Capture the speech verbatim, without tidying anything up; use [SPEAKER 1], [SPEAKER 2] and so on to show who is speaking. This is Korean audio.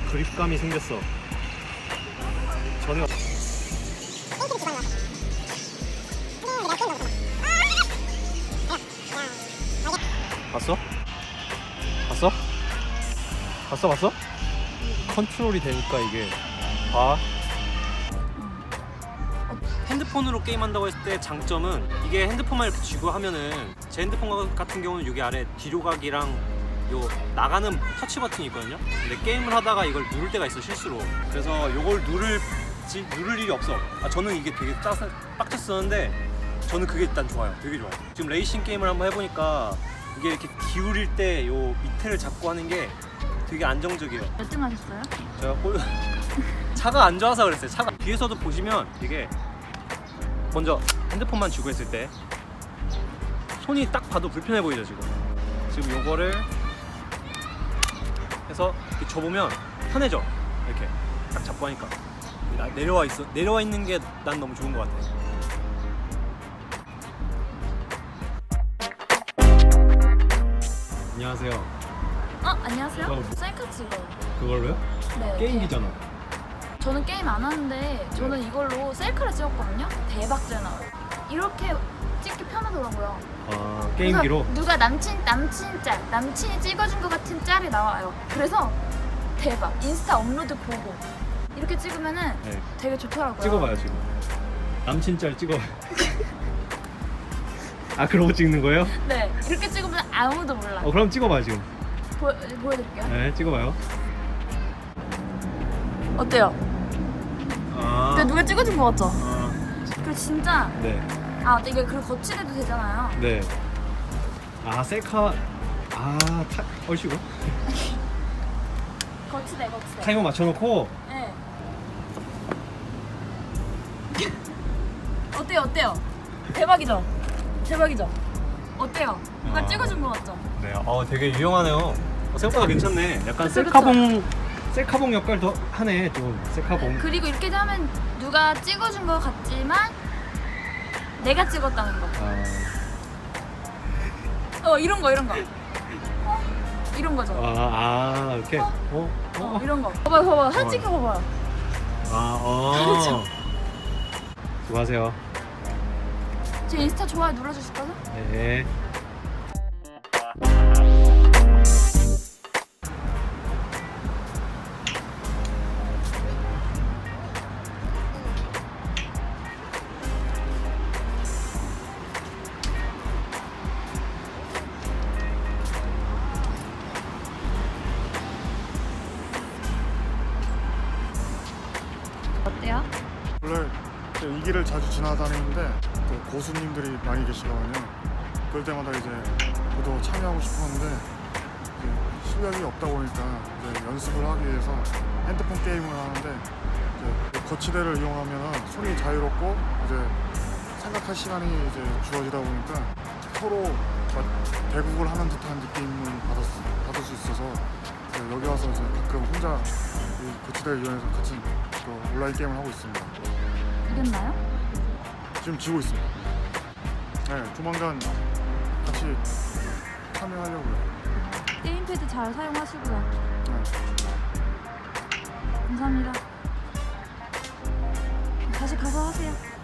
[SPEAKER 1] 그립감이 생겼어. 전혀. 봤어? 봤어? 봤어 봤어? 컨트롤이 되니까 이게 봐. 핸드폰으로 게임한다고 했을 때 장점은 이게 핸드폰만 이렇게 쥐고 하면은 제 핸드폰 같은 경우는 여기 아래 뒤로 가기랑 요 나가는 터치 버튼이 있거든요. 근데 게임을 하다가 이걸 누를 때가 있어 실수로. 그래서 요걸 누를 지, 누를 일이 없어. 아 저는 이게 되게 짜, 빡쳤었는데 저는 그게 일단 좋아요. 되게 좋아요. 지금 레이싱 게임을 한번 해보니까 이게 이렇게 기울일 때 요 밑에를 잡고 하는 게 되게 안정적이에요.
[SPEAKER 2] 몇 등 하셨어요?
[SPEAKER 1] 제가 꼴... 차가 안 좋아서 그랬어요. 차가 뒤에서도 보시면 이게 먼저 핸드폰만 쥐고 했을 때 손이 딱 봐도 불편해 보이죠 지금. 지금 요거를 해서 이렇게 줘보면 편해져. 이렇게 딱 잡고 하니까 내려와 있어. 내려와 있는 게 난 너무 좋은 것 같아. 안녕하세요.
[SPEAKER 2] 어? 안녕하세요?
[SPEAKER 1] 그거-
[SPEAKER 2] 셀카 찍어요.
[SPEAKER 1] 그걸로요?
[SPEAKER 2] 네.
[SPEAKER 1] 게임기잖아.
[SPEAKER 2] 저는 게임 안 하는데 저는 이걸로 셀카를 찍었거든요. 대박 잘 나와요. 이렇게 찍기 편하더라고요.
[SPEAKER 1] 아 게임기로?
[SPEAKER 2] 그래서 누가 남친 남친 짤 남친이 찍어준 것 같은 짤이 나와요. 그래서 대박. 인스타 업로드 보고 이렇게 찍으면은
[SPEAKER 1] 네.
[SPEAKER 2] 되게 좋더라고요.
[SPEAKER 1] 찍어봐요 지금. 남친 짤 찍어봐요. 아 그러고 찍는 거예요?
[SPEAKER 2] 네. 이렇게 찍으면 아무도 몰라.
[SPEAKER 1] 어 그럼 찍어봐요 지금.
[SPEAKER 2] 보, 보여드릴게요.
[SPEAKER 1] 네 찍어봐요.
[SPEAKER 2] 어때요?
[SPEAKER 1] 아.
[SPEAKER 2] 근데 누가 찍어준 것 같죠?
[SPEAKER 1] 아.
[SPEAKER 2] 그 진짜
[SPEAKER 1] 네.
[SPEAKER 2] 아 이게 그리고 거치대도 되잖아요.
[SPEAKER 1] 네. 아 셀카. 아 타. 얼씨구.
[SPEAKER 2] 거치대 거치대.
[SPEAKER 1] 타이머 맞춰놓고.
[SPEAKER 2] 네. 어때요 어때요? 대박이죠? 대박이죠? 어때요? 누가
[SPEAKER 1] 아.
[SPEAKER 2] 찍어준 것 같죠?
[SPEAKER 1] 네. 어 되게 유용하네요. 어, 생각보다 괜찮네. 약간
[SPEAKER 2] 그쵸,
[SPEAKER 1] 셀카봉 셀카봉 역할 더 하네 좀. 셀카봉.
[SPEAKER 2] 그리고 이렇게 하면 누가 찍어준 것 같지만 내가 찍었다는 거.
[SPEAKER 1] 아.
[SPEAKER 2] 어 이런 거 이런 거. 어? 이런 거죠.
[SPEAKER 1] 아, 아 이렇게. 어? 어?
[SPEAKER 2] 어, 이런 거. 봐봐요 봐봐요. 사진
[SPEAKER 1] 어.
[SPEAKER 2] 찍혀 봐봐요.
[SPEAKER 1] 아 어.
[SPEAKER 2] 다르죠?
[SPEAKER 1] 수고하세요.
[SPEAKER 2] 제 인스타 좋아요 눌러주실 거죠?
[SPEAKER 1] 네.
[SPEAKER 2] 어때요?
[SPEAKER 3] 원래 이 길을 자주 지나다니는데 또 고수님들이 많이 계시거든요. 그럴 때마다 이제 저도 참여하고 싶었는데 이제 실력이 없다 보니까 이제 연습을 하기 위해서 핸드폰 게임을 하는데 이제 거치대를 이용하면 손이 자유롭고 이제 생각할 시간이 이제 주어지다 보니까 서로 막 대국을 하는 듯한 느낌을 받았, 받을 수 있어서 이제 여기 와서 이제 가끔 혼자 이 거치대를 이용해서 같이 또 온라인 게임을 하고 있습니다.
[SPEAKER 2] 이겼나요?
[SPEAKER 3] 지금 지고 있습니다. 네, 조만간 같이 참여하려고요.
[SPEAKER 2] 게임패드 잘 사용하시고요.
[SPEAKER 3] 네.
[SPEAKER 2] 감사합니다. 다시 가서 하세요.